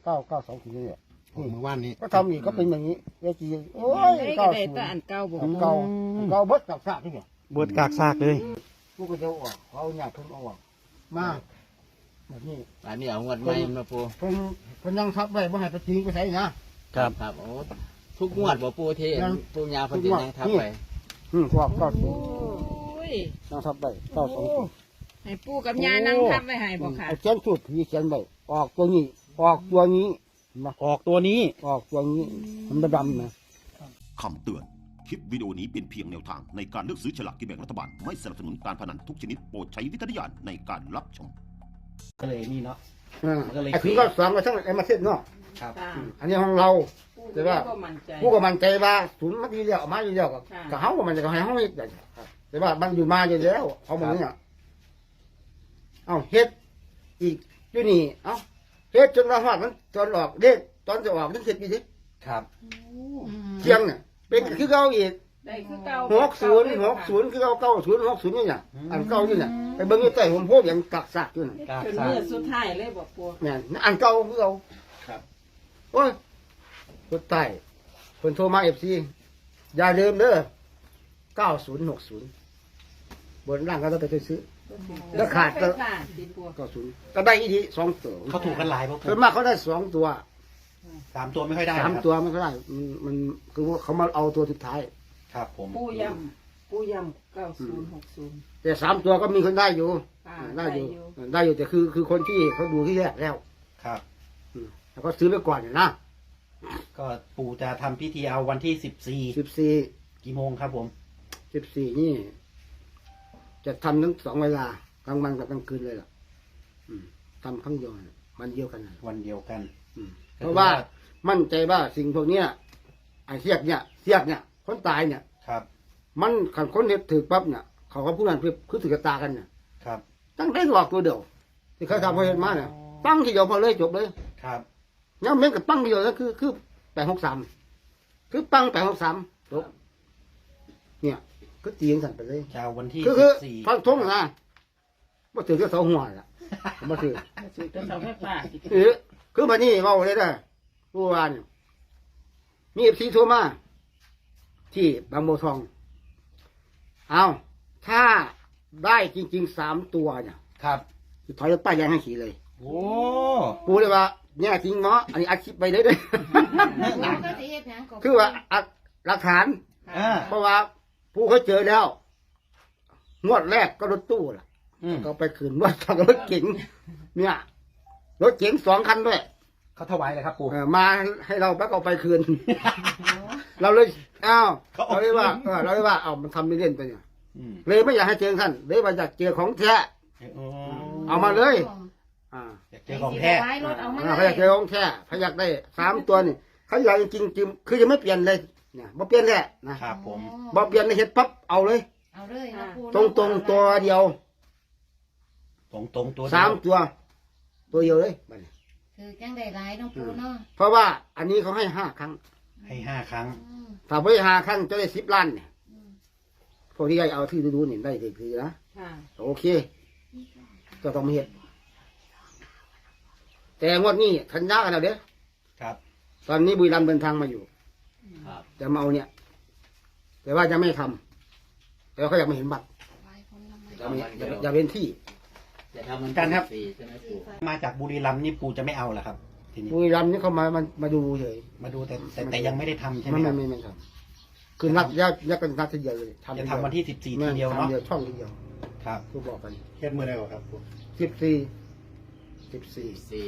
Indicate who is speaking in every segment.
Speaker 1: 992ทีเนี่ย
Speaker 2: เมื่อวานนี้
Speaker 1: ก็ทำอีกก็เป็นอย่างนี้เอจีโอ้ย
Speaker 3: ได้
Speaker 1: เก้า
Speaker 3: ก็ได้
Speaker 1: ศูน
Speaker 3: แต่
Speaker 1: ย์
Speaker 3: อันเก่าบ่
Speaker 1: อันเก่าเบิดกับซากที่เนี่ย
Speaker 4: บวชกากซากเลย
Speaker 1: ผู้ก็จะออกเขาเนี่ยเพิ่งเอาออกมาแบบนี้
Speaker 5: อันนี้เอางวดใหม่มาปู
Speaker 1: เพิ่นยังทับไว้บ่ให้ไปทิ้งไปใส่นะครับ
Speaker 5: ครับโอ้ทุกงวดบ่ปูที่
Speaker 1: ยัง
Speaker 5: ปูยาเพิ่นจะยังทับไป
Speaker 1: พวกก็
Speaker 3: โอ้ย
Speaker 1: ยังทับไว้920
Speaker 3: ให้ปู่กับย่านั่งทับไว้ให้บ่ค่ะ
Speaker 1: เอาเขียนสูตรผีเขียนไว้ออกตัวนี้ออกตัวนี้มา
Speaker 4: ออกตัวนี้
Speaker 1: ออกตัวนี้มันดำนะ
Speaker 6: คำเตือน คลิปวิดีโอนี้เป็นเพียงแนวทางในการเลือกซื้อฉลากกินแบ่งรัฐบาล ไม่สนับสนุนการพนันทุกชนิดโปรดใช้วิจารณญาณในการรับชม
Speaker 4: ก็เลยนี่เนาะ มันก็เลย
Speaker 1: ไอ้ถึงก็สองก็ทั้งไอ้มาเส้นเนาะ
Speaker 4: ครับ
Speaker 3: ค่ะ
Speaker 1: อันนี้ของเรา แต่ว่า
Speaker 3: ก็มั่นใจ
Speaker 1: ผู้ก็มันใจว่าศูนย์มาดีเดียวออกมาดีเดียวกับ
Speaker 3: ค่ะ
Speaker 1: กับเขาก็มันจะให้เขาเฮ็ดได้ครับแต่ว่ามันอยู่มาอยู่แล้วเอามาเนี่ยเอาเฮ็ดอีกอยู่นี่เอาเฮ็ดจนว่าฮอดมันตอนออกเด็กตอนจะออกนึกเฮ็ดอีกที
Speaker 4: ครับ
Speaker 1: เที่ยงเนี่ยเป็นคือเก่าอีก
Speaker 3: ได้คือเก่า
Speaker 1: 60คือเก่า9060นี่เนี่ยอันเก่าอยู่เนี่ยไปเบิ่งอยู่ใต้ผมโพอย่างกักซากอยู่น่ะ
Speaker 4: กาก
Speaker 3: เป็น
Speaker 4: ซาก
Speaker 3: มื้อสุดท้ายเลยบ่ปู่
Speaker 1: เนี่ยอันเก่าคือเก่า
Speaker 4: ครับ
Speaker 1: โอ้ยคนใต้คนโทรมาFCอย่าลืมเด้อ9060บนล่างก็ต้องไปซื้อ แล้วขาดก็
Speaker 3: ก็สิปู่
Speaker 1: 90ก็ได้อีกที2ตัว
Speaker 4: เขาถูกกันหลายป่ะ
Speaker 1: ส่วนมากเขาได้2ตัว
Speaker 4: 3 ตัวไม่ค่อยได้
Speaker 1: สาม
Speaker 4: ครับ
Speaker 1: ตัวไม่ได้มันคือว่าเขามาเอาตัวสุดท้าย
Speaker 4: ครับผม
Speaker 3: ปู่ย่ำ9060
Speaker 1: แต่3ตัวก็มีคนได้อยู่
Speaker 3: ค่ะ
Speaker 1: ได้อยู่ได้อยู่แต่คือคนที่เขาดูที่แรกแล้ว
Speaker 4: ครับ
Speaker 1: แล้วก็ซื้อไปก่อนเนี่ยนะ
Speaker 4: ก็ปู่จะทำพิธีเอาวันที่
Speaker 1: 14
Speaker 4: 14กี่โมงครับผม
Speaker 1: นี่ จะทำทั้ง2เวลากลางวันกับกลางคืนเลยล่ะทำครั้งเดียวน่ะมันเดียวกันน่ะ
Speaker 4: วันเดียวกัน
Speaker 1: เพราะว่ามั่นใจว่าสิ่งพวกเนี้ยไอ้เสียกเนี่ยคนตายเนี่ย
Speaker 4: ครับ
Speaker 1: มันขันคนเห็ดถือปั๊บเนี่ยเขาก็พูดกันคือถือกระตากันเนี่ย
Speaker 4: ครับ
Speaker 1: ตั้งได้หลอกตัวเดียวที่เขาทำพอเห็นมาเนี่ยปั้งทีเดียวพอเลยจบเลย
Speaker 4: ครับ
Speaker 1: ยังเม้นกับปั้งทีเดียวแล้วคือ863คือปั้ง863จบเนี่ยก็ตีอย่างสั่นไปเลย
Speaker 4: จะเอาวันที่
Speaker 1: คือ
Speaker 4: 14
Speaker 1: ฟังทงนะมาถือก็เสาหัวล่ะมาถือ
Speaker 3: สิจะเสาไฟฟ้าสิ
Speaker 1: คือมานี่เมาเลยนะเมื่อวานมีเอฟซีโทรมาที่บางบัวทองเอาถ้าได้จริงๆ3 ตัวเนี่ย
Speaker 4: ครับ
Speaker 1: ถอยรถป้ายแดงให้ขี่เลย
Speaker 4: โอ้
Speaker 1: ปูเลยว่าเนี่ยจริงเนาะอันนี้อัดคลิปไปเลยเด้อ คือว่าอัดหลักฐาน
Speaker 4: อ่า
Speaker 1: เพราะว่าผู้เขาเจอแล้ว งวดแรกก็รถตู้ล่ะ
Speaker 4: อืม
Speaker 1: ก็ไปคืนงวดทางรถเก๋งเนี่ยรถเก๋ง2 คันด้วย
Speaker 4: เขาถวายเลยครับปู่
Speaker 1: มาให้เราแล้วก็เอาไปคืน เราเลยอ้าวเราเลยว่าเราเลยว่าเอามันทำไม่เล่นไปเนี่ย
Speaker 4: อืม
Speaker 1: เลยไม่อยากให้เจอท่านเลยว่าอยากเจอของแท้
Speaker 4: โอ้
Speaker 1: เอามาเลยอ่า
Speaker 4: อยากเจอของแท้
Speaker 1: เขาอยากเจอของแท้เขาอยากได้3 ตัวนี่เขาอยากจริงๆคือจะไม่เปลี่ยนเลยเนี่ยบ่เปลี่ยนแหละนะครับ
Speaker 4: ผม
Speaker 1: บ่เปลี่ยนในเฮ็ดปั๊บเอาเลย
Speaker 7: เอาเลยนะปู
Speaker 1: ตรงตัวเดียว
Speaker 4: ตรงตัวเดียว
Speaker 1: 3 ตัวเดียวเลยบัดนี้
Speaker 7: คือจังได้หลายน้องปูเนาะ
Speaker 1: เพราะว่าอันนี้เขาให้5 ครั้ง
Speaker 4: ให้5 ครั้ง
Speaker 1: ถ้าไม่5 ครั้งจะได้10 ล้านเนี่ยพวกที่ได้เอาที่ดูๆนี่ได้ถือนะ
Speaker 3: ค่ะ
Speaker 1: โอเคก็ต้องมาเฮ็ดแต่งวดนี้ทันยากันแล้วเด้อ
Speaker 4: ครับ
Speaker 1: ตอนนี้บุรีรัมย์เดินทางมาอยู่
Speaker 5: ครับ
Speaker 1: จะมาเอาเนี่ย แต่ว่าจะไม่ทำแต่เขาอยากมาเห็นบัตรอยากเป็นที่
Speaker 5: จะทำมัน
Speaker 4: กันครับ
Speaker 5: 4ใช่ไหมปู่
Speaker 4: มาจากบุรีรัมย์นี่ปู่จะไม่เอาเหรอครับ ทีนี้
Speaker 1: บุรีรัมย์นี่เขามาดูเฉย
Speaker 4: มาดูแต่ยังไม่ได้ทำใช่ไหม
Speaker 1: ไม่
Speaker 4: ครับ
Speaker 1: ไม่ทำคือนัดยักกันนัดทีเดียวเลย
Speaker 4: จะทำวันที่14ทีเดียวเนาะ
Speaker 1: ทำเดียวช่องทีเดียว
Speaker 4: ครับ
Speaker 1: คือบอกกัน
Speaker 2: เฮ็ดมือได้บ่ครับปู่
Speaker 1: 14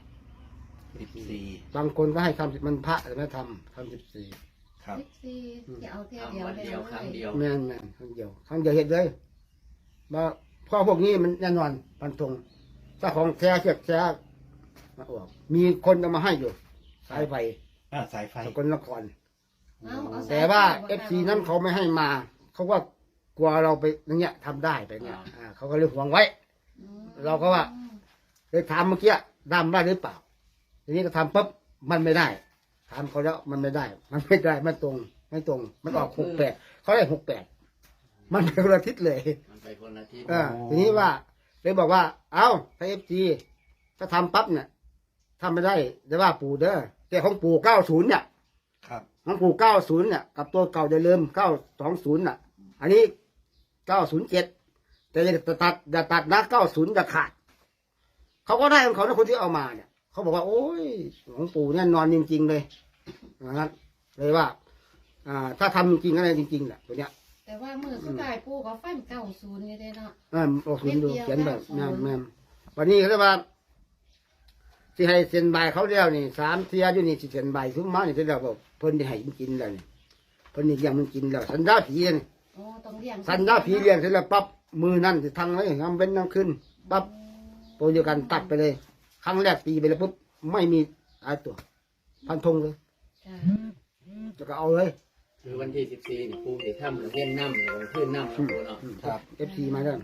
Speaker 4: 14
Speaker 1: บางคนก็ให้ทำมันพระแต่ไม่ทำ14
Speaker 4: ครับ
Speaker 7: สิจะเอาเท่าเดียว
Speaker 5: วัน
Speaker 7: เลย
Speaker 5: เดียวครั้งเดียว
Speaker 1: แม่นครั้งเดียวเห็นเลยมาพ่อพวกนี้มันแน่นอนปันตรงถ้าของแท้เชือกแท้มาออกมีคนเอามาให้อยู่สายไฟ
Speaker 4: สายไฟ
Speaker 1: สกลนคร
Speaker 7: เอา
Speaker 1: แต่ว่าFC นั้นเขาไม่ให้มาเขาว่ากลัวเราไปอย่างเงี้ยทำได้ไปเนี่ยเขาก็เลยหวงไว้ เราก็ว่าเลยถามเมื่อกี้ดำได้หรือเปล่าทีนี้ก็ทำปุ๊บมันไม่ได้ถามเขาแล้วมันไม่ได้ไม่ตรงมันออก68เขาได้68มันเป็นคนละทิศเลย
Speaker 5: มันไปคนละที่
Speaker 1: ทีนี้ว่าเลยบอกว่า เอาถ้า FG ถ้าทำปั๊บเนี่ยทำไม่ได้จะว่าปู่เด้อแต่ของปู่90เนี่ย
Speaker 4: ครับ
Speaker 1: ของปู่90เนี่ยกับตัวเก่าอย่าลืม920น่ะ อันนี้907แต่อย่าตัดนะ90อย่าขาดเขาก็ได้ของเขานะคนที่เอามาเนี่ยเขาบอกว่าโอ้ยของปู่เนี่ยนอนจริงๆเลยนะครับเลยว่าถ้าทำจริงๆอะไรจริงๆแหละตัวเนี้ย
Speaker 7: แต่ว่ามือสุดท้ายปูก็ฟัน90นี่เด้เนาะ
Speaker 1: ออกศูนย์ดูเขียนแบบแม่วันนี้เขาเรียกว่าที่ให้เซ็นใบเขาเรียกนี่3 เที่ยอยู่นี่สิเซ็นใบซุ้มมานี่ที่เราบอกเพิ่นที่ให้มันกินแล้วนี่เพิ่นนี่เลี้ยงมันกินแล้วสัญญาผีนี่
Speaker 7: โอ้ต้องเลี้ยง
Speaker 1: สัญญาผีเลี้ยงเสร็จแล้วปั๊บมือนั่นสิทางไว้งำเว้นน้ำขึ้นปั๊บตัวเดียวกันตัดไปเลย ครั้งแรกตีไปแล้วปุ๊บไม่มีอะไรตัว พันธงเลย
Speaker 7: จ้ะ
Speaker 1: จะก็เอาเลย
Speaker 5: คือวันที่14นี่ปูสิทำเล่นน้ำหรือขึ้นน้ำปูเนาะ
Speaker 4: ครับ
Speaker 1: FC มาแล้ว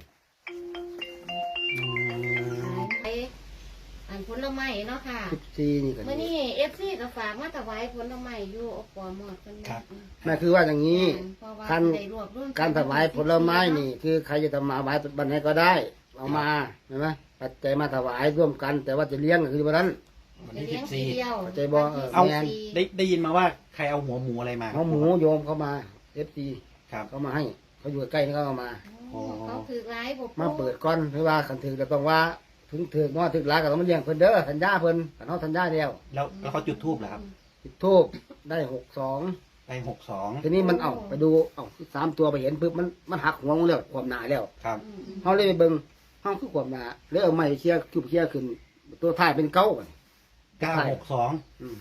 Speaker 7: ไปอันผลไม้เนาะค่ะ
Speaker 1: 14นี่ก็
Speaker 7: มื่อ
Speaker 1: ดี
Speaker 7: นี้FC ก็ฝากมาถวายผลไม้อยู่อปหมดเพิ่น
Speaker 4: ครับ
Speaker 1: แม่คือว่าอย่างนี้
Speaker 7: เพราะว่า
Speaker 1: การ
Speaker 7: ได้รวบรวม
Speaker 1: การถวายผลไม้นี่ คือใครจะทำมาถวายบันไหนก็ได้ เอามาเห็นไหมปัจจัยมาถวายร่วมกัน แต่ว่าจะเลี้ยงก็คือวันนั้น
Speaker 4: วัน
Speaker 7: จะ
Speaker 4: ที่
Speaker 7: เลี้ยงทีเดียว
Speaker 1: เข้าใจบ่
Speaker 4: เอา
Speaker 7: วันที่
Speaker 4: ได้ยินมาว่าใครเอาหัวหมูอะไรมา
Speaker 1: เขาหมูโยมเข้ามา FC
Speaker 4: ครับ
Speaker 1: เขามาให้เขาอยู่ใกล้นี่เขาเอามา
Speaker 7: โอ้เขาถือร้ายบ่
Speaker 1: มาเปิดก้อนเพราะว่าขันถือจะต้องว่าถึงถือว่าถึงร้านก็ต้องมาเลี้ยงเพิ่นเด้อสัญญาเพิ่นขันเขาสัญญาแล้ว
Speaker 4: แล้วเขาจุดทูบเหรอครับ
Speaker 1: จุดทูบได้62
Speaker 4: ไป62
Speaker 1: ทีนี้มันไปดู3 ตัวไปเห็นปุ๊บมันหักหัวลงแล้วความหนาแล้ว
Speaker 4: ครับ
Speaker 1: เขาเลยไปเบิ่งห้องคือความหนาเลยเอาไม้เชี่ยจุบเชี่ยขึ้น ตัวท้ายเป็นเก้าก่อน
Speaker 4: 962
Speaker 1: อืม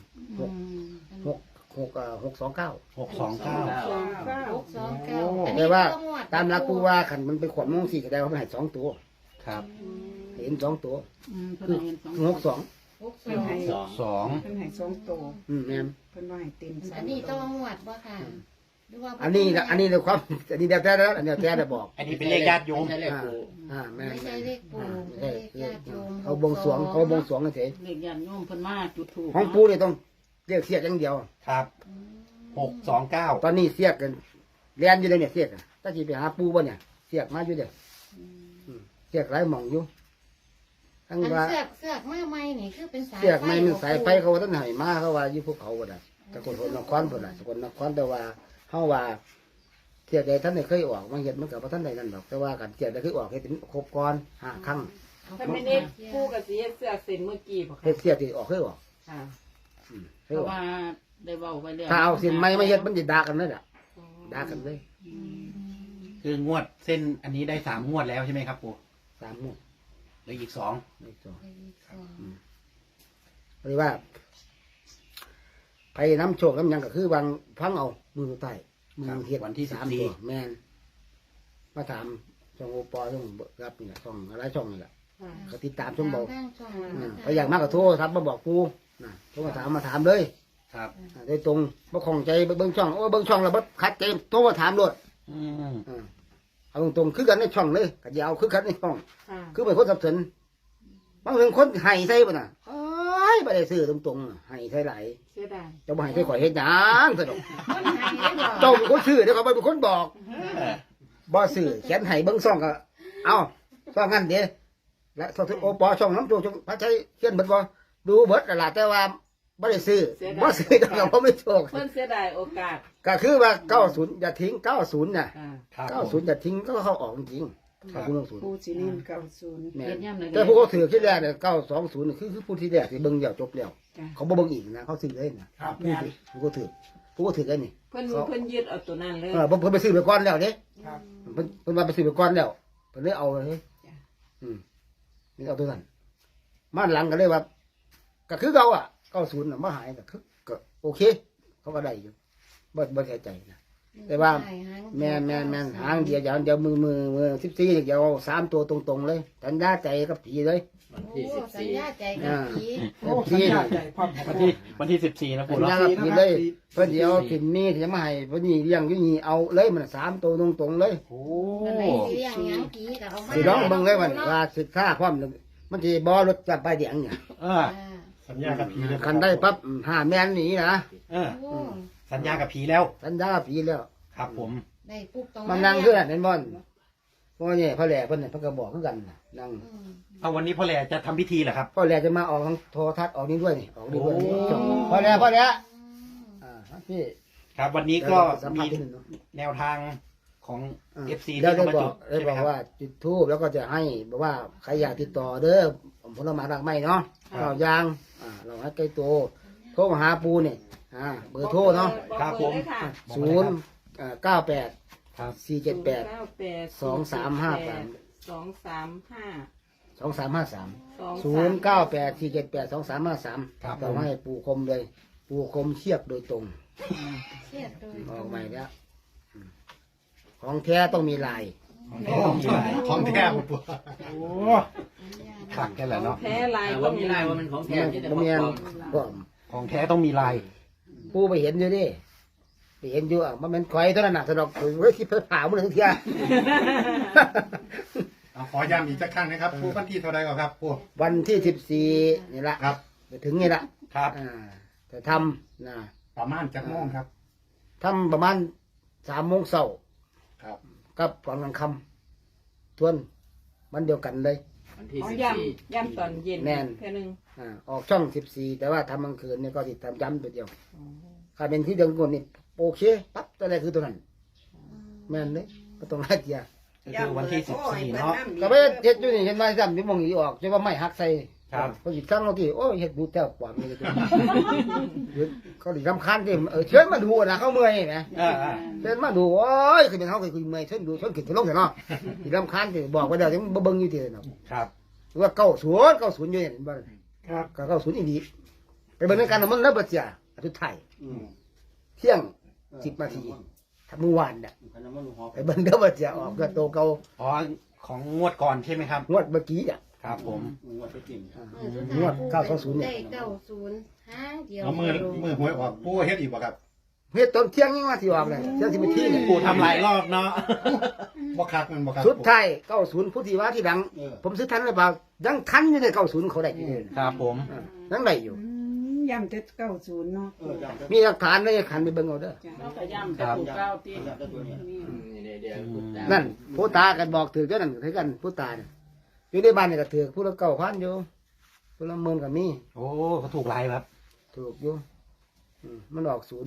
Speaker 1: 629
Speaker 4: 629
Speaker 7: 629
Speaker 1: แต่ว่าตามหลักผู้ว่าขันมันเป็นขวดมงสี่แสดงว่ามันให้2 ตัว
Speaker 4: ครับ
Speaker 1: เห็น2 ตัว
Speaker 3: เพิ่น
Speaker 1: คือ
Speaker 3: ให้2
Speaker 1: 62
Speaker 3: เพิ่นให้
Speaker 4: 2
Speaker 3: เพิ่นให้2โต
Speaker 1: แม่น
Speaker 3: เพิ่นว่าให้เต็ม
Speaker 7: อันนี้ต้องหวดบ่ค่ะหรือว่า
Speaker 1: อันนี้ในความอันนี้เดี๋ยวแท้แล้วอันนี้แท้ได้บอก
Speaker 4: อันนี้เป็นเลขญาติโยม
Speaker 5: ไม่ใช่เลขปู
Speaker 1: แม่น
Speaker 7: ไม่ใช่เลขปู่
Speaker 1: ไม่
Speaker 7: เล
Speaker 1: ใช่
Speaker 7: ขญาติโยม
Speaker 1: เขาบวงสรวงเฉย
Speaker 3: เลขญาติโยมเพิ่นมาจุดธูป
Speaker 1: ของปูนี่ต้องเรียกเสียกอย่างเดียว
Speaker 4: ครับ 629
Speaker 1: ตอนนี้เสียกกันเรียนอยู่เลยเนี่ยเสียกถ้าจีไปหาปูบ่เนี่ยเสียกมาอยู่เด้อเสียกหลายหม่องอยู่ทั้ง
Speaker 7: อัน
Speaker 1: ว่า
Speaker 7: เสือกมาใหม่นี่คือเป็นสาย
Speaker 1: เสียกไม่มันสายไฟเขาต้นไหมาเขาว่าอยู่ภูเขาบ่ได้ตะกนนครบ่ได้สกลนครแต่ว่าเฮาว่าเสียกใดท่านได้เคยออกมาเฮ็ดมันก็บ่ทันได้นั่นดอกแต่ว่ากันเสียกได้เคยออกเฮ็ดเป็นครบก่อน5ครั้ง
Speaker 3: ถ้าไม่ได้ปูกับสิเฮ็ดเสื้อเส้นเมื่อกี้บ่
Speaker 1: เฮ็
Speaker 3: ค่ะ
Speaker 1: ดเสียกที่ออกเคยออก
Speaker 3: ค่ะ
Speaker 1: เค
Speaker 3: เพ
Speaker 1: ยอ
Speaker 3: ราะ
Speaker 1: อก
Speaker 3: ว่าได้เว้าไว้แล้ว
Speaker 1: ถ้าเอาเส้นไม้มาเฮ็ดมันสิด่ากันเลยล่ะด่ากันเลย
Speaker 4: คืองวดเส้นอันนี้ได้3งวดแล้วใช่ไหมครับปู่
Speaker 1: 3 มื้อ
Speaker 4: เหลืออีก
Speaker 1: ไม่จบเรียกว่าไปน้ำโชคน้ำหยังก็คือวางพังเอามือใต้มือเฮ็ด
Speaker 4: วันที่
Speaker 1: 3 ตัวแม่นมาถามช่องโอปอช่องเบิกรับนี่แหละช่องอะไรช่องนี่แหละ
Speaker 3: ค่ะ
Speaker 1: ก็ติดตามช่องเบา
Speaker 7: ทางช่อง
Speaker 1: ไปอยากมากก็โทรครับมาบอกกูนะโทรมาถามเลย
Speaker 4: ครับ
Speaker 1: โดยตรงบ่ของใจเบิ่งช่องโอ้เบิ่งช่องแล้วบ่คัดใจโทรมาถามโลด
Speaker 4: อืม
Speaker 1: เอาตรงๆคือกันในช่องเลยก็อย่าเอาคือกันในช่อง
Speaker 3: ค่ะ
Speaker 1: คือเป็นคนสับสนบางเรื่องคนให้ใส่บ่น่ะเอ้ยบ่ได้ซื้อตรงๆให้ใส่หลาย
Speaker 3: เสียดาย
Speaker 1: เจ้าบ่ให้ใส่ข่อยเฮ็ดหยังซะดอก
Speaker 7: คนไทยได้บอก
Speaker 1: เจ้าเป็นคนซื้อเดี๋ยวเขาเป็นคนบอกบ่ซื้อเขียนให้เบิ่งซ่องก็เอาซ่องงั้นเด้และโทรโอปอช่องน้ำโจช่องพระชัยเขียนเบิดบ่ดูเบิดนั่นล่ะแต่ว่าบ่ได้ซื้อบ่ซื้อจังก็บ่มีโชค
Speaker 3: เพิ่นเสียดายโอกาส
Speaker 1: ก็คือว่า90อย่าทิ้ง90น่ะ
Speaker 3: ค่ะ
Speaker 4: ครับผม
Speaker 1: 90อย่าทิ้งก็เข้าออกจริงๆ
Speaker 4: ครับ
Speaker 1: 90
Speaker 3: ปูสินิน90
Speaker 1: แม่
Speaker 3: เฮ็
Speaker 1: น
Speaker 3: ดยามใด
Speaker 1: แต่ผู้เขาถือที่แรกเนี่ย920นี่คือผู้ที่แรกที่เบิ่งเดียวจบแล้ว
Speaker 3: จ้ะ
Speaker 1: เขาบ่เบิ่งอีกนะเขาซื้อเลยนะครับ ผู้ก็ถือได้นี่
Speaker 3: เพิ่นยึดเอาตัวนั้นเลย
Speaker 1: เพิ่นไปซื้อไปก่อนแล้วเด้
Speaker 3: ครับ
Speaker 1: เพิ่นว่าไปซื้อไปก่อนแล้วเพิ่นเลยเอาเลย
Speaker 3: จ้ะ
Speaker 1: นี่เอาตัวนั้นมาหลังก็เลยว่าก็คือเก่าอ่ะ90น่ะบ่หายก็คือก็โอเค เขาก็ได้อยู่บ่เสียใจนะแต่ว่าแม่นหางเดียวอย่างเดียวมือ14เดียว3ตัวตรงๆเลยสัญญาใจกับผีเลย
Speaker 5: วันที่
Speaker 7: โอ้สัญญาใจกับผี
Speaker 1: ผีน่ะ
Speaker 4: วันที่14นะ
Speaker 1: สั
Speaker 4: ปู่
Speaker 1: ญ
Speaker 4: เนาะ
Speaker 1: ญากับผีเลยเพิ่นสิเอาถิ่นนี้ที่จะมาให้เพิ่นนี่เลี้ยงอยู่นี่เอาเลยมัน3ตัวตรงๆเลย
Speaker 4: โอ้
Speaker 7: มันไหนสิเลี้ยงหยังผีก็เอามา
Speaker 1: สิร้องเบิ่งเลยมันว่าสิค่าความมันสิบ่รถจับไปเดียงเนี่ย
Speaker 2: สัญญากับผีเลย
Speaker 1: คันได้ปั๊บหาแม่นหนีนะ
Speaker 4: เออ
Speaker 7: โอ้
Speaker 4: สัญญากับผีแล้ว
Speaker 1: สัญญาผีแล้ว
Speaker 4: ครับผม
Speaker 7: ได้ปุ๊บตรง
Speaker 1: มันนั่งคือเห็นบ่เพราะว่าเนี่ยพ่อแหล่เพิ่นเนี่ยเพิ่นก็บอกคือกันน่ะนั่ง
Speaker 4: เอาวันนี้พ่อแหล่จะทำพิธีเหรอครับ
Speaker 1: พ่อแหล่จะมาออกทางโทรทัศน์ออกนี่ด้วยนี่ออกนี่ด้วย
Speaker 4: โอ้
Speaker 1: พ่อแหล่พี่
Speaker 4: ครับวันนี้ก็
Speaker 1: สัมภา
Speaker 4: มี
Speaker 1: ษณ์ที่หนึ่งเนาะ
Speaker 4: แนวทางของ FC
Speaker 1: แล้ว
Speaker 4: ที่
Speaker 1: ได้
Speaker 4: เขามา
Speaker 1: บอ
Speaker 4: จุ
Speaker 1: ก
Speaker 4: ด
Speaker 1: ได้
Speaker 4: ใช่ไห
Speaker 1: บ
Speaker 4: ม
Speaker 1: อก
Speaker 4: ครับ
Speaker 1: ว่าจุดธูปแล้วก็จะให้บอกว่าใครอยากติดต่อเด้อผลไม้รากไม้เนาะเรายางเราให้ใกล้ตัวโทรมาหาปูเนี่ยเบอร์โทรเนาะ
Speaker 4: ครับผม
Speaker 3: เลยค่ะ
Speaker 1: ศูนย์98
Speaker 4: ครับ
Speaker 1: 478 2353
Speaker 3: 2353
Speaker 1: 0984782353
Speaker 4: ครับ
Speaker 1: เราให้ปูคมเลย ปูคมเทียบโดยตรง
Speaker 7: เครียดโดย
Speaker 1: ออกใหม่แล้วของแท้ต้องมีลาย
Speaker 2: ของแท้บ่ปู
Speaker 4: โอ้ขักแค่แหละเนาะ
Speaker 3: แพ้ลาย
Speaker 5: ว่ามีลายว่ามันของแท้
Speaker 1: มัน
Speaker 5: ที่จะ
Speaker 1: มัน
Speaker 5: ป
Speaker 1: มี
Speaker 5: ล
Speaker 1: อัน
Speaker 5: อม
Speaker 1: ปลอม
Speaker 4: ของแท้ต้องมีลาย
Speaker 1: ปูไปเห็นอยู่ดิไปเห็นอยู่มันเป็นควายตัวนั้นน่ะสะดอกเฮ้ยที่เพิ่นผ่ามันถึงเทีย
Speaker 2: เอาขอย้ำอีกสักครั้งนะครับปูวันที่เท่าไรก่อนครับปู
Speaker 1: วันที่14นี่ละ
Speaker 2: ครับ
Speaker 1: ไปถึงนี่ละ
Speaker 4: ครับ
Speaker 1: จะทำนะ
Speaker 2: ประมาณจักโมงครับ
Speaker 1: ทำประมาณ3 โมงเช้า
Speaker 2: ครับ
Speaker 1: กับก่อนกลางค่ำทวนมันเดียวกันเลย
Speaker 5: วันที่
Speaker 3: อ๋อ
Speaker 5: 14
Speaker 3: ย่ำตอนเย็น
Speaker 1: แน่น
Speaker 3: แค่นึง
Speaker 1: ออกช่อง14แต่ว่าทำกลางคืนเนี่ยก็ติดตามย้ำตัวเดียวถ้าเป็นที่เดือนก่อนนี่โอเคปั๊บตัวแรกคือตัวนั้น แม่นเลยก็ต้องให้เกียร์
Speaker 4: ก็คือวันที่14เนาะ
Speaker 1: ก็ไปเฮ็ดอยู่นี่เห็นไหมซ้ำที่มองอีออกจะว่าไม่หักใส่
Speaker 4: ครับ
Speaker 1: เขาหยิบสั่งเราที่โอ้ยเฮ็ดดูแต้วกว่ามีเขาดิรำคาญที่เชิญมาดูนะเขาเมื่อยนะ เชิญมาดูโอ้ยคือเป็นเขาเคยคุยเมื่อยเชิญดูเชิญขึ้นไปลงเถอะเนาะดิรำคาญที่บอกว่าเดี๋ยวถึงบ่เบิ่งอยู่ที่เนาะ
Speaker 4: ครับ
Speaker 1: ว่า90อยู่เนี่ยบ่
Speaker 2: ครับ
Speaker 1: ก็90อีหลีไปเบิ่งในการมันแล้วบ่เสียสุดท้ายเที่ยง10 นาทีถ้าเมื่อวานน่ะไปเบิ่งเด้อบ่เสียออกก็โตเก่า
Speaker 4: อ๋อของงวดก่อนใช่ไหมครับ
Speaker 1: งวดเมื่อกี้อ่ะ
Speaker 4: ครับผม
Speaker 1: งวด920เนี่ย
Speaker 7: ได้90ห้างเดียว
Speaker 2: เอามือหวยออกปูเฮ็ดอีกบ่ครับ
Speaker 1: เฮ็ดตอนเที่ยงยังว่าสิออกเลยเที่ยง10 นาทีเนี่ย
Speaker 4: ปู่ทำหลายรอบเนาะ
Speaker 2: บ่คักมันบ่ครับ
Speaker 1: สุดท้าย90ผู้ที่ว่าที่ดัง ผมซื้อทันหรือเปล่ายังทันอยู่ใน90เขาได้อยู่เลย
Speaker 4: ครับผม
Speaker 1: ยังได้อยู่
Speaker 8: ย่ำเจ็ดเก้าศูนย์เนาะ
Speaker 1: มีหลักฐานเลยขันไปเบิ่งเอาเด้อ
Speaker 3: เราก็ย่ำแต่ปูเก้าตี
Speaker 5: เดี๋ยวคุณตา
Speaker 1: นั่นผู้ตากันบอกถือกันนั่นถือกันผู้ตาเนี่ยอยู่ในบ้านนี่ก็ถือผู้ละ9,000อยู่ผู้ละ10,000ก็มี
Speaker 4: โอ้เขาถูกลายครับ
Speaker 1: ถูกอยู่มันออก0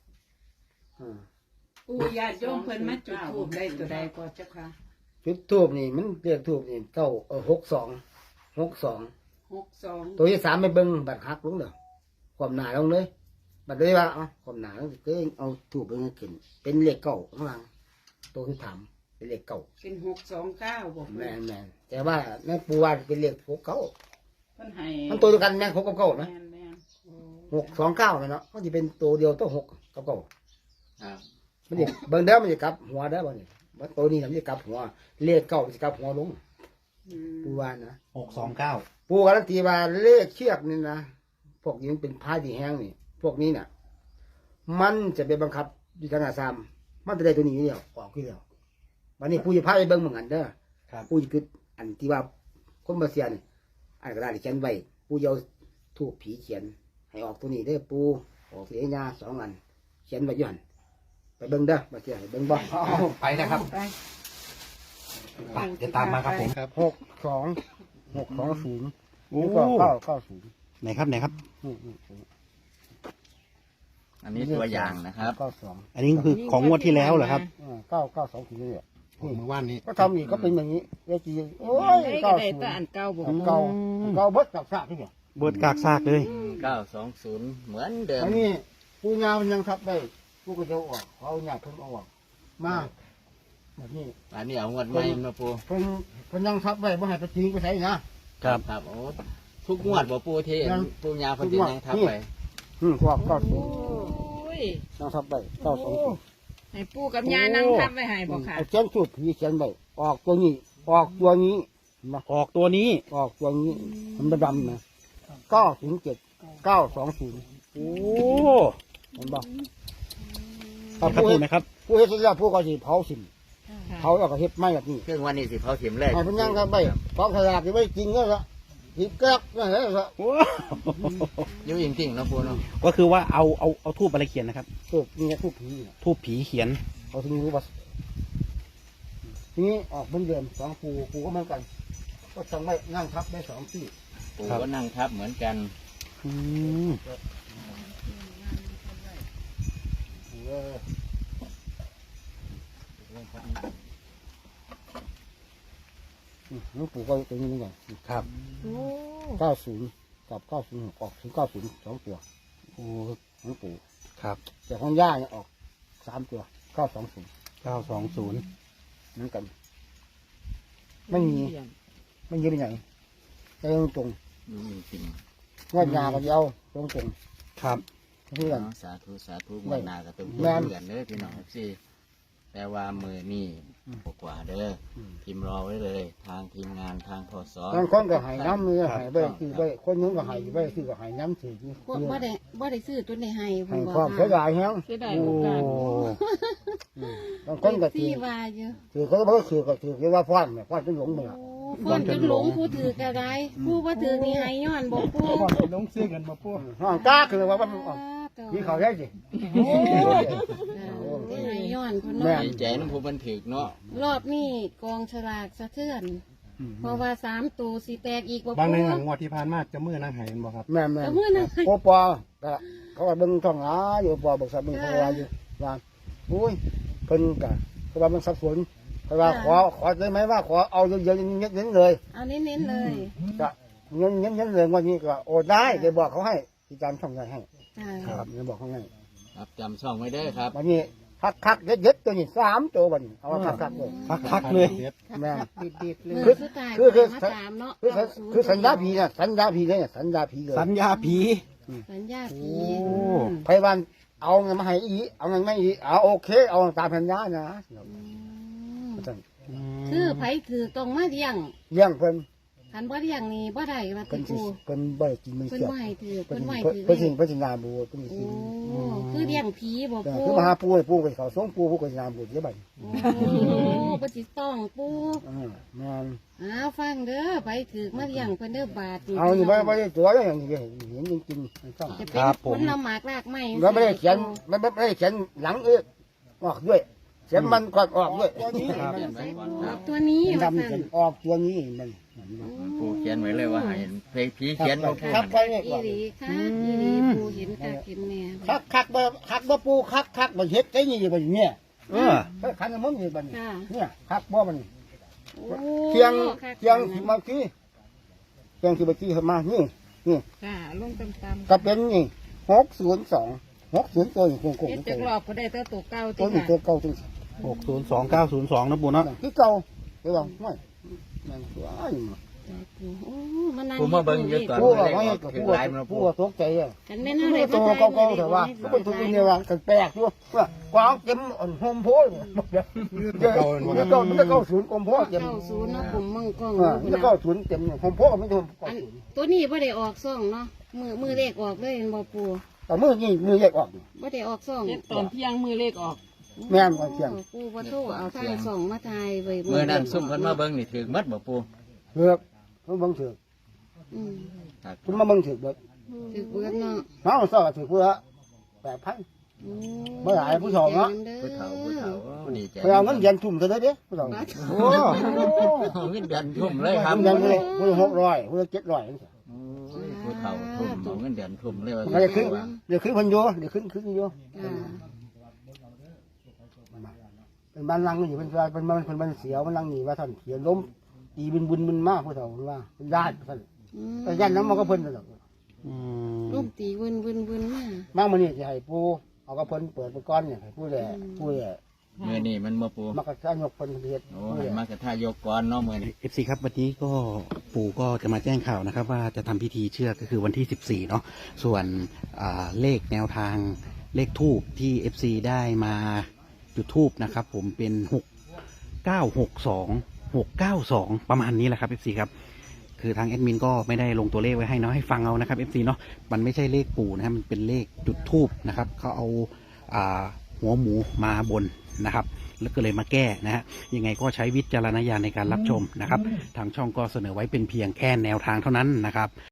Speaker 3: ปูญาติโยมเพิ่นมาจุดธูปได้ตัวใดก็เจ้าค่ะ
Speaker 1: จุดทูบนี่มันเรียกทูบนี่62
Speaker 3: 62
Speaker 1: ตัวที่3ไปเบิ่งบัดหักลงเด้อความหนาลงเลยบัดเลยว่าความหนาลงก็เอาทูบไปขึ้นเป็นเลขเก้าข้างหลังตัวที่3เป็นเลขเก้า
Speaker 3: เป็น629บอก
Speaker 1: แม่นแต่ว่าแม่ปูว่าเป็นเลข69
Speaker 3: เพิ่นให้
Speaker 1: มันตัวเดียวกันแม่น6กับ9นะ
Speaker 3: แม่น
Speaker 1: 629เนาะมันจะเป็นตัวเดียวตัว6กับ9
Speaker 5: ครับ
Speaker 1: มันจะเบิ่งเด้อมันจะกลับหัวเด้อบ่นี่ว่าตัวนี้มันจะกลับหัวเลขเก้ามันจะกลับหัวลงปูว่านะ
Speaker 4: 629
Speaker 1: ปูการันตีว่าเลขเชือกนี่นะพวกนี้มันเป็นพายที่แห้งนี่พวกนี้น่ะ มันจะไปบังคับอยู่ทางอาซามมันจะได้ตัวนี้เดียวออกคือเดียววันนี้ปูจะพาไปเบิ่งเหมือนกันเด้อ
Speaker 4: ครับ
Speaker 1: ปูจะคืออันที่ว่าคนมาเสียนี่อันกระดาษที่เขียนไว้ปูจะเอาถูกผีเขียน ให้ออกตัวนี้เด้อปูออกเสียญา2 อันเขียนไว้อยู่หั่นไปเบิ่งเด้อมาเสียให้เบิ่งบ่
Speaker 4: ไปนะครับ
Speaker 8: ไป
Speaker 4: ไปเดี๋ยวตามมาครับผม
Speaker 1: 62620
Speaker 4: โอ้
Speaker 1: นี่ก็990
Speaker 4: ไหนครับไหนครับ
Speaker 5: อันนี้ตัวอย่างนะครับ
Speaker 1: 92
Speaker 4: อันนี้คือของงวดที่แล้วเหรอครับ
Speaker 1: 992ถึงเนี่ย
Speaker 2: เมื่อวานนี้
Speaker 1: ก็ทำอีกก็เป็นอย่างนี้เลขจีโอ้ย
Speaker 3: ได้ก็ได้แต่อันเก่าบอก
Speaker 1: เก่าเก่าเบิดกับซากที่เนี่ย
Speaker 4: เบิดกากซากเลย
Speaker 5: 920 เหมือนเดิม
Speaker 1: อันนี้ผู้งานมันยังทับได้ผู้ก็จะออกเขาอยากเพิ่งเอาออกมาแบบนี้
Speaker 5: อันนี้เอางวดใหม่มาปู
Speaker 1: เพิ่นยังทับไว้บ่ให้ไปทิ้งไปใส่นะครับ
Speaker 5: ครับโอ้ทุกงวดบ่ปูที่ปูยาเพิ่นสิยังทับไป
Speaker 1: พวกก็ถูก
Speaker 3: โอ้ย
Speaker 1: ยังทับได้920
Speaker 3: ให้ปูกับยานั่งทับไว้ให้บ่ค่ะ
Speaker 1: เอาเขียนสูตรผีเขียนไว้ออกตัวนี้ออกตัวนี้มา
Speaker 4: ออกตัวนี้
Speaker 1: ออกตัวนี้มันดำนะ907 920
Speaker 4: โอ้
Speaker 1: เห็นบ่
Speaker 4: ครับปู่นะครับ
Speaker 1: ผู้เฮ็ดเสร็จแล้วผู้ก็สิเผาสิเผาแล้วก็เฮ็ดไม้แบบนี้
Speaker 5: เครื่องวันนี้สิเผาถิ่มเลย
Speaker 1: ให้เพิ่นยังครับไปฟองขยะที่ไว้จริงก็ละสิแกรกนั่นแหละ
Speaker 4: โอ้
Speaker 5: อยู่จริงๆเนาะปูเนาะ
Speaker 4: ก็คือว่าเอาทูบอะไรเขียนนะครับ
Speaker 1: ถูกนี่ทูบผี
Speaker 4: ทูบผีเขียน
Speaker 1: เขาถึงรู้ว่าทีนี้ออกเหมือนเดิม2ปูก็เหมือนกัน ก็สั่งไว้นั่งทับได้2ที่
Speaker 5: ปู่ก็นั่งทับเหมือนกัน
Speaker 2: อืม
Speaker 1: หลวงปู่ก็ตรงนี้เหมือนกัน
Speaker 2: ครับ
Speaker 7: โอ้
Speaker 1: 90กับ90ออกถึง90 2ตัว
Speaker 2: โอ้
Speaker 1: หลวงปู่
Speaker 2: ครับ
Speaker 1: แต่ของย่าเนี่ยออก3ตัว920
Speaker 2: 920
Speaker 1: เหมือนกัน ไม่มีไปไหนไปตรง
Speaker 5: จริง
Speaker 1: ๆงวดยาก็เดียวตรง
Speaker 2: ครับ
Speaker 1: ๆเพื่อน
Speaker 5: สาธุสาธุวันนาก็ต้อง
Speaker 1: แม่น
Speaker 5: เพื่อนเด้อพี่น้องสิแต่ว่ามือนี่กว่าเด้อพิมพ์รอไว้เลย ทางทีมงานทางพศ
Speaker 1: บางคนก็ใหายน้ำมือใหายไปคือไปคนนึงก็ใหายไปคือก็ใหายน้ำถือ
Speaker 7: พวกบ่ได้ซื้อตัวในให้
Speaker 1: ใหาย
Speaker 7: บ่
Speaker 1: ความเสียดายแฮง
Speaker 3: เสียดาย
Speaker 2: โอ้
Speaker 3: โอกาส
Speaker 1: บางคนก็ถื
Speaker 7: ที่
Speaker 1: อ
Speaker 7: ว่าอยู่
Speaker 1: ถือเขาก็ถือก็ถือคือว่าฟ้อนเนี่ยฟ้อนจนหลงมือ
Speaker 7: โอ้ฟ้อนจนหลงผู้ถือกระไรผู้บ่ถือนี่ให้ย้อนบ่ปู
Speaker 2: ก่อนไปลงซื้อกันมาปู
Speaker 1: ห้องจ้าคือว่ามันนี่เขาได้สิ
Speaker 7: ได้ให้ย้อนคน
Speaker 1: แม่
Speaker 7: เนาะ
Speaker 5: ดีใจน้ำผู้บันถึกเนาะ
Speaker 7: รอบนี้กองฉลากสะเทือน เพราะว่า3ตัวสิแตกอีกบ่
Speaker 2: บางใน
Speaker 7: ปู
Speaker 2: หนังงวดที่ผ่านมาจะมือนั่งหายบ่ครับ
Speaker 1: แม่
Speaker 7: แต่มื้อนั้น
Speaker 1: โอปอก็เขาก็เบิ่งท่องหาอยู่ปอบอกสับเบิ่งเขาว่าอยู่ว่าอุ้ยเพิ่นก็เขาว่ามันสับสนเขาว่าขอได้ไหมว่าขอเอาเยอะๆเน้นๆเลย
Speaker 7: เอาเน้นๆเลย
Speaker 1: ก็เน้นๆเลยวันนี้ก็โอ้ได้เดี๋ยวบอกเขาให้ที่การช่องใหญ่ให้
Speaker 7: จ้า
Speaker 1: ครับเดี๋ยวบอกเขาให้
Speaker 5: ครับจำช่องไว้เด้อครับ
Speaker 1: วันนี้คักๆเด็ดๆตัวนี้3ตัวบัดนี้เอาคักๆเลย
Speaker 2: คักๆเลย
Speaker 1: แม่
Speaker 3: ดิบๆเลย
Speaker 7: มือสุดท้าย
Speaker 1: คือ
Speaker 7: มาตามเนาะ
Speaker 1: คือสัญญาผีนะสัญญาผีเลยสัญญาผีเลย
Speaker 2: สัญญาผี
Speaker 7: สัญญาผี
Speaker 2: โอ้
Speaker 1: ไพวันเอาเงินมาให้อีเอาเงินไม่อีเอาโอเคเอาตามสัญญานะ
Speaker 7: คือไผถือตรงมาเลี้ยง
Speaker 1: เลี้ยงเพิ่น
Speaker 7: คันบ่เลี้ยงนี่บ่ได้ว่า
Speaker 1: เพิ่
Speaker 7: ติ
Speaker 1: นสิ
Speaker 7: กู
Speaker 1: เพิ่นบ่ได้กินมือ
Speaker 7: เพิ่น
Speaker 1: เสียบ
Speaker 7: บ่ให้ถือ
Speaker 1: เพิ่
Speaker 7: เพิ่
Speaker 1: น
Speaker 7: นบ่ให้ถือ
Speaker 1: เพิ่นสินาบูเพิ่นสิ
Speaker 7: โอ้คือเลี้ยงผีบ่
Speaker 1: แต่
Speaker 7: ปู
Speaker 1: คือมาหาปูให้ปูไปเขาส่งปูปูก็สินาบูเสียบัด
Speaker 7: โอ้บ่สิต้องปู
Speaker 1: แม่น
Speaker 7: ฟังเด้อไผถือมาเลี้ยงเพิ่นเด้อบาด
Speaker 1: เอานี่บ่ได้ตัวอย่างนี้เห็นจริงๆต้อง
Speaker 7: จะเป็นผลหมากรากไม้
Speaker 1: แล้วไม่ได้เขียนไม่ได้เขียนหลังออกด้วยเขียนมันก่อนออกด้วยตัวนี้
Speaker 7: ตัวนี้
Speaker 1: ดำเขียนออกตัวนี้มัน
Speaker 5: ผู้เขียนไว้เลยว่าให้เพลงผีเขียนมาพูด
Speaker 1: ครับไปเนี่ย
Speaker 7: อี
Speaker 1: ก่อน
Speaker 7: หลีค่ะอีหลีปูเห็นกะเห็นแม่
Speaker 1: คักบ่ปูคักบ่เฮ็ดไอ้นี่บ่เนี่ย ขันน้ำมันนี่บัดนี้
Speaker 7: ค่ะ
Speaker 1: เนี่ยคักบ่มัน
Speaker 7: โอ้
Speaker 1: เที่ยงสิมาที่เที่ยงสิมาที่มานี่
Speaker 3: ค่ะลงตาม
Speaker 1: ก็เป็นนี่602ตัวนี่โกง
Speaker 3: ๆเฮ็ดจักรอบก็ได้แต่ตัวเก่า
Speaker 1: ตัว
Speaker 3: ที่
Speaker 1: นี้ตัวเก่าจัง
Speaker 2: 602902นะปูเนาะ
Speaker 1: คือเก่าเดี๋ยวว่าไม่มันตัวอ้าย
Speaker 7: โอ้มันนั่ง
Speaker 5: ผู้มาเบิ่งอยู่ตอน
Speaker 1: ผู้
Speaker 5: เล
Speaker 1: ว่า
Speaker 5: ข
Speaker 1: ไม่
Speaker 5: ออกถึงหลายมัน
Speaker 1: ผู้
Speaker 5: พูด
Speaker 1: ว่าตกใจอ่ะ
Speaker 7: กันแม่น่า
Speaker 1: ผู้
Speaker 7: เลย
Speaker 1: ตัวเก่าๆแต่ว่าทุกคนทุกคนเนี่ยว่ากันแปลกอยู่ว่ากวางเต็มโฮมโพดเดี๋ยวมันจะเข้าศูนย์กรมโพดเต็ม
Speaker 7: 90เนาะผมมึงกล้อง
Speaker 1: มันจะเข้าศูนย์เต็มโฮมโพดไม่ถูก
Speaker 7: อันตัวนี้บ่ได้ออกซ่องเนาะมือเลขออกเลยบ่ปู
Speaker 1: แต่มือนี่มือแยกออก
Speaker 7: บ่ได้ออกซ่อง
Speaker 3: เฮ็ดตอนเที่ยงมือเลขออก
Speaker 1: แม่นก่อนเที่ยง
Speaker 7: ปูบ่โทรเอาทางซ่องมาถ่ายไว้
Speaker 5: เมื่อนั้นซุ่มเพิ่นมาเบิ่งนี่ถึงมัดบ่ปู
Speaker 1: เลือกมันบังถือ
Speaker 7: อืม
Speaker 1: คุณมาบังถือเบิด
Speaker 7: ถือเบิดเนาะ
Speaker 1: น้องสาวถือเพื่อ8,000 เมื่อไหร่ผู้ชมเนาะ
Speaker 5: ผู้เฒ่าดีใจ
Speaker 1: ไปเอาเงินเดือนทุ่มเท่าไหร่เด้ผู้ชม
Speaker 2: โอ้
Speaker 5: เอาเงินเดือนทุ่มเลยครับ
Speaker 1: เงินเดือนผู้600ผู้700
Speaker 5: ผู้เฒ่าทุ่มเอาเงินเดือนทุ่มเลยว่า
Speaker 1: มันจะขึ้นเดี๋ยวขึ้นพันโยเดี๋ยวขึ้นโย
Speaker 7: อ่า
Speaker 1: เป็นบ้านลังอยู่เป็นมันเสียวมันลังนี่ว่าท่านเขียนล้มตีบุญมากผู้ชมว่าเป็นญาติท่านแต่ญาติน้ำมันก็เพิ่นตลอด
Speaker 7: ลูกตีวนมา
Speaker 1: บางมันนี่จะให้ปูเอากระเพิ่นเปิดไปก้อนเนี่ยให้ผู้แหล่เ
Speaker 5: มื่อนี้มันมาปู
Speaker 1: มากระชากยกเพิ่นเฮ็ด
Speaker 5: โอ้ให้มากระทายกก่อนเนาะมื่อนี้
Speaker 2: FC ครับวันนี้ก็ปู่ก็จะมาแจ้งข่าวนะครับ ว่าจะทำพิธีเชือกก็คือวันที่14เนาะส่วนเลขแนวทางเลขทูบที่ FC ได้มาจุดทูบนะครับผมเป็น6962 ประมาณนี้แหละครับ FC ครับคือทางแอดมินก็ไม่ได้ลงตัวเลขไว้ให้เนาะให้ฟังเอานะครับ FC เนาะมันไม่ใช่เลขปู่นะครับมันเป็นเลขจุดทูบนะครับเขาเอาหัวหมูมาบนนะครับแล้วก็เลยมาแก้นะฮะยังไงก็ใช้วิจารณญาณในการรับชมนะครับทางช่องก็เสนอไว้เป็นเพียงแค่แนวทางเท่านั้นนะครับ